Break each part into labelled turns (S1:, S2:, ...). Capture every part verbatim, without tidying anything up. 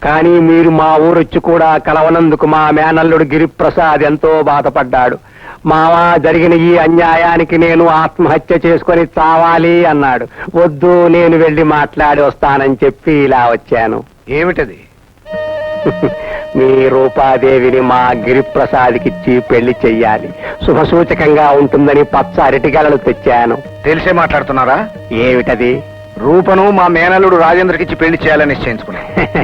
S1: కానీ మీరు మా ఊరొచ్చి కూడా కలవనందుకు మా మేనల్లుడు గిరిప్రసాద్ ఎంతో బాధపడ్డాడు. మావా, జరిగిన ఈ అన్యాయానికి నేను ఆత్మహత్య చేసుకొని చావాలి అన్నాడు. వద్దు, నేను వెళ్లి మాట్లాడి వస్తానని చెప్పి ఇలా వచ్చాను.
S2: ఏమిటది?
S1: మీ రూపాదేవిని మా గిరిప్రసాద్కిచ్చి పెళ్లి చెయ్యాలి. శుభసూచకంగా ఉంటుందని పచ్చ అరటిగలలు తెచ్చాను.
S2: తెలిసే మాట్లాడుతున్నారా?
S1: ఏమిటది?
S2: రూపను మా మేనల్లుడు రాజేంద్రకిచ్చి పెళ్లి చేయాలని నిశ్చయించుకున్నా.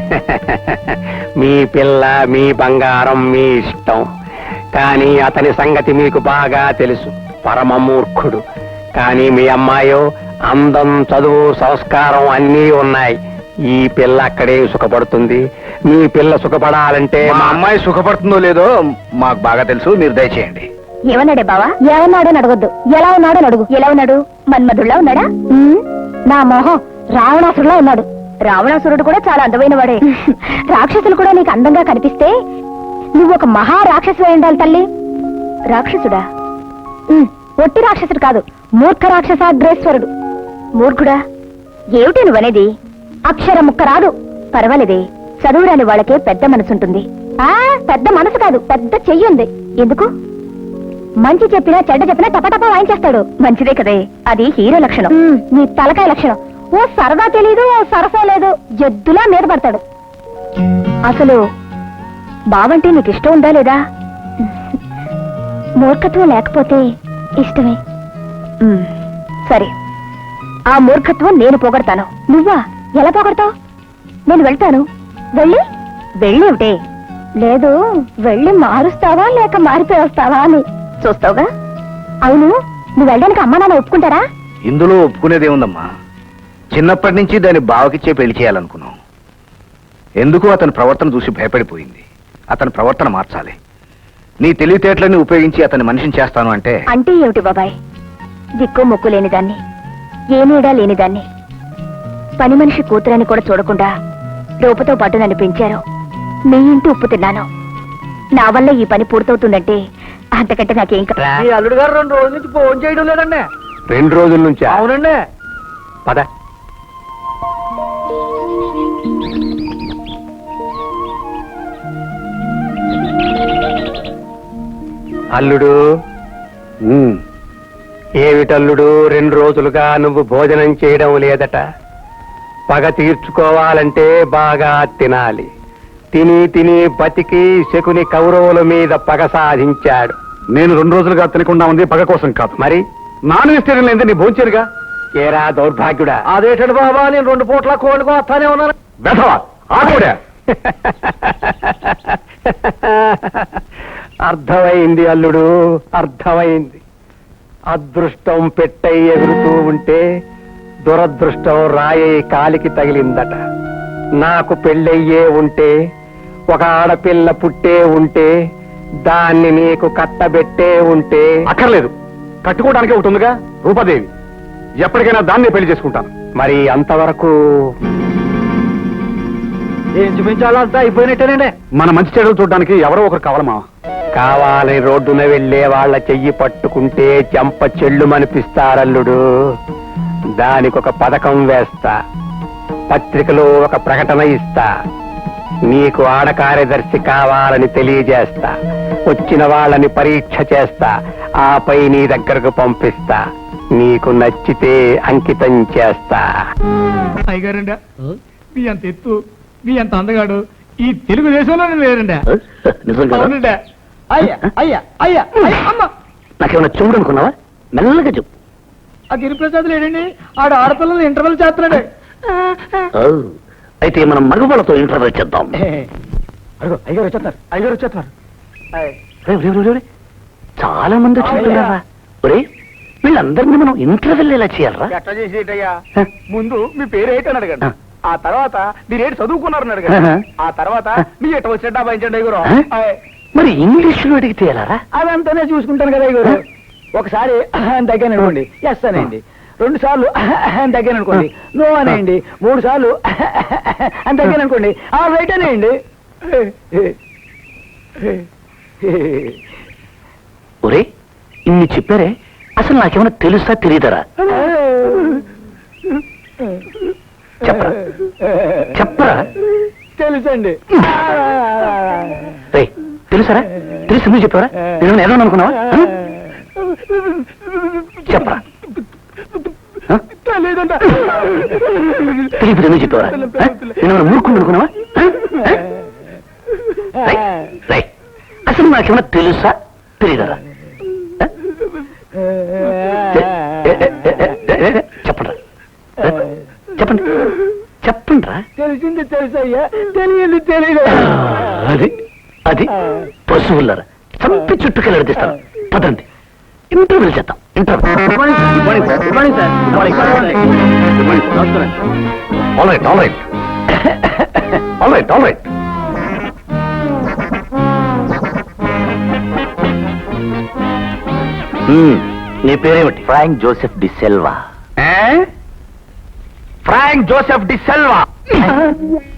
S1: మీ పిల్ల, మీ బంగారం, మీ ఇష్టం. కానీ అతని సంగతి మీకు బాగా తెలుసు. పరమ మూర్ఖుడు. కానీ మీ అమ్మాయో అందం, చదువు, సంస్కారం అన్నీ ఉన్నాయి. ఈ పిల్ల అక్కడే సుఖపడుతుంది. మీ పిల్ల సుఖపడాలంటే
S2: మా అమ్మాయి సుఖపడుతుందో లేదో మాకు బాగా తెలుసు. మీరు దయచేయండి.
S3: ఏమన్నాడే బావా? ఏమన్నాడని అడగొద్దు. ఎలా ఉన్నాడని అడుగు. ఎలా ఉన్నాడు? మన్మధుడిలా ఉన్నాడా? నా మొహం రావణాసురులా ఉన్నాడు. రావణాసురుడు కూడా చాలా అందమైన వాడే. రాక్షసులు కూడా నీకు అందంగా కనిపిస్తే నువ్వు ఒక మహా రాక్షసు అయి ఉండాలి తల్లి. రాక్షసుడా? ఒట్టి రాక్షసుడు కాదు, మూర్ఖ రాక్షసాగ్రేశ్వరుడు. మూర్ఖుడా? ఏమిటి నువ్వనేది? అక్షరం ముక్క రాదు. పర్వాలేదే, చదువురాని వాళ్ళకే పెద్ద మనసుంటుంది. ఆ పెద్ద మనసు కాదు, పెద్ద చెయ్యి ఉంది. ఎందుకు? మంచి చెప్పినా చెడ్డ చెప్పినా టపటపా వాయించేస్తాడు. మంచిదే కదే, అది హీరో లక్షణం. నీ తలకాయ లక్షణం. ఓ సరదా తెలీదు, ఓ సరసా లేదు, జద్దులా మీద పడతాడు. అసలు బావంటే నీకు ఇష్టం ఉందా లేదా? మూర్ఖత్వం లేకపోతే ఇష్టమే. సరే, ఆ మూర్ఖత్వం నేను పోగొడతాను. నువ్వా? ఎలా పోగొడతావు? నేను వెళ్తాను. వెళ్ళి వెళ్ళేవిటే? లేదు, వెళ్ళి మారుస్తావా లేక మారిపోయి వస్తావా అని చూస్తావుగా. అవును, నువ్వు వెళ్ళడానికి అమ్మా నాన్న ఒప్పుకుంటారా?
S2: ఇందులో ఒప్పుకునేదేముందమ్మా? చిన్నప్పటి నుంచి దాన్ని బావకిచ్చే పెళ్లి చేయాలనుకున్నాం. ఎందుకు అతని ప్రవర్తన చూసి భయపడిపోయింది. అతని ప్రవర్తన మార్చాలి. నీ తెలివితేటలని ఉపయోగించి అతని మనిషిని చేస్తాను అంటే
S3: అంటే ఏమిటి బాబాయ్? దిక్కు మొక్కు లేనిదాన్ని, ఏ నీడా లేనిదాన్ని, పని మనిషి కూతురని కూడా చూడకుండా రూపతో పాటు నన్ను పెంచారు. మీ ఇంటి ఉప్పు తిన్నాను. నా వల్ల ఈ పని పూర్తవుతుందంటే అంతకంటే నాకేం కదా.
S4: అల్లుడు గారు రెండు రోజుల నుంచి ఫోన్ చేయడం లేదండి.
S1: రెండు రోజుల నుంచి?
S4: అవునండి.
S1: పద. అల్లుడు. ఏమిటల్లుడు, రెండు రోజులుగా నువ్వు భోజనం చేయడం లేదట. పగ తీర్చుకోవాలంటే బాగా తినాలి. తిని తిని బతికి శకుని కౌరవుల మీద పగ సాధించాడు.
S2: నేను రెండు రోజులుగా తినకుండా ఉంది పగ కోసం కాదు.
S1: మరి
S2: నాన్ వెజిటేరియన్ లేదే నీ భోంచేరుగా.
S1: ఏరా దౌర్భాగ్యుడా!
S4: అదేటండి బాబా, నేను రెండు పూట్ల కోళ్ళకు వస్తానే ఉన్నాను.
S2: బెదవా ఆగోడా!
S1: అర్థమైంది అల్లుడు, అర్థమైంది. అదృష్టం పెట్టై ఎగురుతూ ఉంటే దురదృష్టం రాయే కాలికి తగిలిందట. నాకు పెళ్ళయ్యే ఉంటే, ఒక ఆడపిల్ల పుట్టే ఉంటే, దాన్ని నీకు కట్టబెట్టే ఉంటే.
S2: అక్కర్లేదు, కట్టుకోవడానికి ఒకటి ఉందిగా రూపాదేవి. ఎప్పటికైనా దాన్నే పెళ్లి చేసుకుంటాను.
S1: మరి అంతవరకు
S4: ఏం చూపించాలంతా అయిపోయినట్టేనండి.
S2: మన మంచి చెడులు చూడడానికి ఎవరో ఒకరు కావాలమా.
S1: కావాలని రోడ్డున వెళ్లే వాళ్ళ చెయ్యి పట్టుకుంటే చెంప చెల్లుమనిపిస్తారల్లుడు. దానికొక పథకం వేస్తా, పత్రికలో ఒక ప్రకటన ఇస్తా, నీకు ఆడ కార్యదర్శి కావాలని తెలియజేస్తా, వచ్చిన వాళ్ళని పరీక్ష చేస్తా, ఆపై నీ దగ్గరకు పంపిస్తా. నీకు నచ్చితే అంకితం చేస్తా.
S5: అయ్యగారండి, మీ అంత ఎత్తు, మీ అంత అందగాడు ఈ తెలుగుదేశంలోనే లేరండి. అవునండి.
S4: అయ్యా అయ్యా అయ్యా అమ్మ,
S1: నాకేమన్నా చూడు అనుకున్నావా? మెల్లగా చెప్పు.
S5: ఆ గిరిప్రసాద్ లేడండి, ఆడు ఆడపిల్లలు ఇంటర్వెల్ చేస్తున్నాడు.
S1: అయితే మనం మగవాళ్ళతో ఇంటర్వ్యూ చేద్దాం.
S4: అయ్యగారు వచ్చేస్తున్నారు, అయ్యగారు వచ్చేస్తున్నారు.
S1: చాలా మంది వచ్చింటున్నారా? ఒరే, వీళ్ళందరినీ మనం ఇంటర్వ్యూలు ఎలా చేయాలరా?
S4: ఎట్లా చేసేటయ్యా? ముందు మీ పేరు ఏంటని అడగండి, ఆ తర్వాత మీరేంటి చదువుకున్నారని అడగండి, ఆ తర్వాత మీ ఎట్ట వచ్చే డబ్బా ఇచ్చండి అయ్యగారు.
S1: మరి ఇంగ్లీష్ లో అడిగితే ఎలారా?
S4: అదంతానే చూసుకుంటాను కదా అయ్యగారు. ఒకసారి దగ్గర అనుకోండి ఎస్ అనేయండి, రెండు సార్లు దగ్గర అనుకోండి నో అనేయండి, మూడు సార్లు దగ్గర అనుకోండి ఆ రైట్ అనేయండి.
S1: ఒరే, ఇన్ని చెప్పారే, అసలు నాకేమైనా తెలుసా తెలియదరా? చెప్పరా చెప్పరా?
S4: తెలుసండి
S2: రేయ్, తెలుసారా తెలిసి నువ్వు చెప్పారా నేను ఏదో అనుకున్నావా ఆ? చెప్పరా ఆ?
S4: లేదంట
S2: తెలియదు ఎందుకు చెప్పావరా ఆ? నేను మూర్ఖుడు అనుకున్నావా ఆ? ఆ? రేయ్, రేయ్, అసలు నాకేమన్నా తెలుసా తెలియదరా చెప్పండి చెప్పండి చెప్పండి రా
S4: తెలిసింది తెలుసయ్యా తెలియదు తెలియదు
S2: అది అది పశువులరా చంపి చుట్టుకెళ్ళి అడిగిస్తాను పదండి ఇంటర్వ్యూ చేద్దాం interview all right all right all right all right నీ పేరేమిటి Frank Joseph D Selva Frank Joseph D Selva